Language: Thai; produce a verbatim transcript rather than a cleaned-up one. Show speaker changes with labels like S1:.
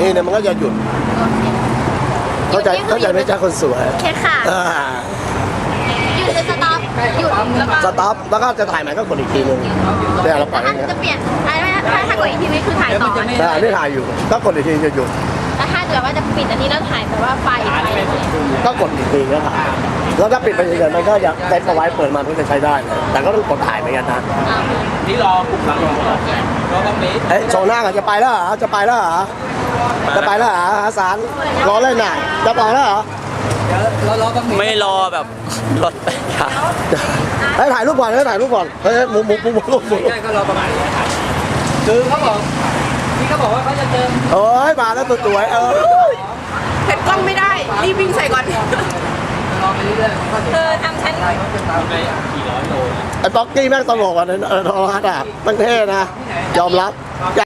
S1: ทีเนี่ยมันก็จะหยุดเข้าใจเข้าใจไหมจ๊ะคนสวย
S2: โอเคค่ะ
S1: อ่า
S2: หยุดจะสต็อปหยุดแล้วก็
S1: สต็อปแล้วก็จะถ่ายใหม่ก็กดอีกทีนึงเนี่ยเราปล่อยอ
S2: ถ้า
S1: ย่างเงี้ย
S2: จะเปลี่ยนถ้าถ้ากดอีกทีนี้คือถ่ายต่อ
S1: แต่อันนี้ถ่ายอยู่ก็กดอีกทีจะหยุด
S2: แล้วถ้าเกิดว่าจะปิดอันนี้แล้วถ่ายแบบว่าไฟไฟ
S1: ก็กดอีกทีก็ถ่ายแล้วถ้าปิดไปเฉยๆมันก็จะเซ็ตเอาไว้เปิดมาเพื่อจะใช้ได้เลยแต่ก็ต้องกดถ่ายเหมือนกันนะ
S3: นี่รอปุ๊บหลังรอรอตรงนี้
S1: เอ้ยโชว์หน้าก่อนจะไปแล้วเหรอจะไปแล้วเหรอจะไปแล้วเหรออาสารรอเล่นน่ะจะไปแล้วเหรอ
S3: รอรอตรงนี้
S4: ไม่รอแบบรถไปครับ
S1: ให้ถ่ายรูปก่อนให้ถ่ายรูปก่อนเฮ้ยมุมมุมมุมมุมมุม
S3: ใช่ก็รอประมาณนี้ครับคือเขาบอกที่เขาบอกว่าเขาจะเติม
S1: เอ้ยมาแล้วตัวสวยเออ
S5: เผ็ดกล้องไม่ได้ รีบวิ่งใส่ก่อน
S3: รอไปเรื่อยๆก็
S5: เธอทำฉัน
S3: ไปกี่ร้อยโล
S1: ไอ้ป๊อกกี้แม่งตลกอ่ะในโทรทัศน์อ่ะมันเท่นะยอมรับ